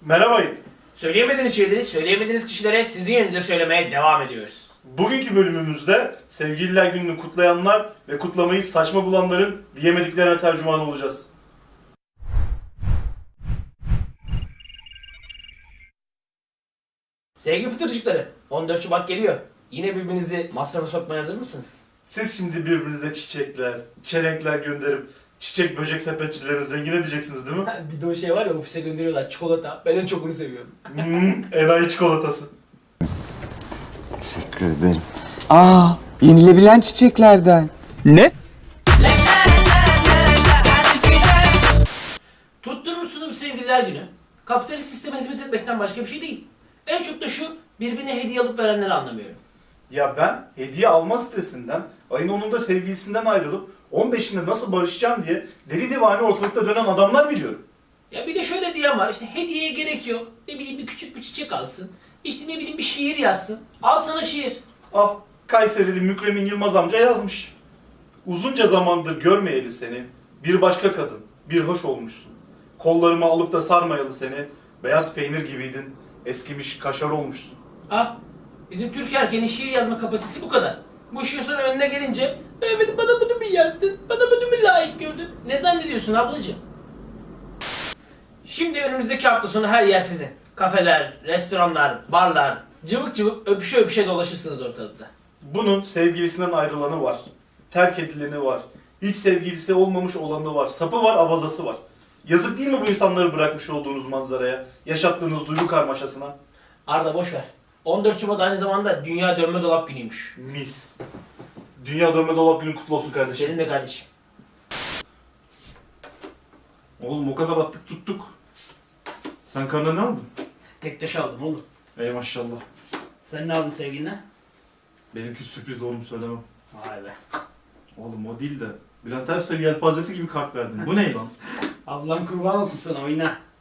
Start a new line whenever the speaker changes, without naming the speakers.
Merhabayın.
Söyleyemediğiniz şeyleri söyleyemediğiniz kişilere sizin yerinize söylemeye devam ediyoruz.
Bugünkü bölümümüzde Sevgililer Günü'nü kutlayanlar ve kutlamayı saçma bulanların diyemediklerine tercüman olacağız.
Sevgili pıtırcıkları, 14 Şubat geliyor. Yine birbirinizi masrafa sokmaya hazır mısınız?
Siz şimdi birbirinize çiçekler, çelenkler gönderip çiçek böcek sepetçilerini zengin edeceksiniz değil mi?
Bir de o şey var ya, ofise gönderiyorlar, çikolata. Ben en çok onu seviyorum.
Enayi çikolatası.
Teşekkür ederim. Yenilebilen çiçeklerden.
Ne?
Tutturmuşsunuz Sevgililer Günü. Kapitalist sisteme hizmet etmekten başka bir şey değil. En çok da şu, birbirine hediye alıp verenleri anlamıyorum.
Ya ben hediye alma stresinden, ayın 10'unda sevgilisinden ayrılıp 15'inde nasıl barışacağım diye deli divane ortalıkta dönen adamlar biliyorum.
Ya bir de şöyle diyen var, işte hediyeye gerek yok. Ne bileyim bir küçük bir çiçek alsın. İşte ne bileyim bir şiir yazsın. Al sana şiir.
Ah, Kayserili Mükremin Yılmaz amca yazmış. Uzunca zamandır görmeyeli seni, bir başka kadın, bir hoş olmuşsun. Kollarımı alıp da sarmayalı seni, beyaz peynir gibiydin, eskimiş kaşar olmuşsun.
Ha? Bizim Türk erkeğinin şiir yazma kapasitesi bu kadar. Bu şiir sonra önüne gelince evet bana bunu mu yazdın? Bana bunu mu layık gördün? Ne zannediyorsun ablacığım? Şimdi önümüzdeki hafta sonu her yer sizin. Kafeler, restoranlar, barlar, cıvık cıvık öpüşe öpüşe dolaşırsınız ortalıkta.
Bunun sevgilisinden ayrılanı var, terk edileni var, hiç sevgilisi olmamış olanı var, sapı var, abazası var. Yazık değil mi bu insanları bırakmış olduğunuz manzaraya, yaşattığınız duygu karmaşasına?
Arda boş ver. 14 Şubat aynı zamanda Dünya Dönme Dolap Günü'ymüş.
Mis. Dünya Dönme Dolap Günü kutlu olsun kardeşim.
Senin de kardeşim.
Oğlum o kadar attık tuttuk. Sen karnına ne aldın?
Tek taş aldım oğlum.
Ey maşallah.
Sen ne aldın sevgiline?
Benimki sürpriz oğlum söylemem.
Vay be.
Oğlum o değil de Bülent Ersoy yelpazesi gibi kart verdin. Bu ne lan?
Ablam kurban olsun sana, oyna.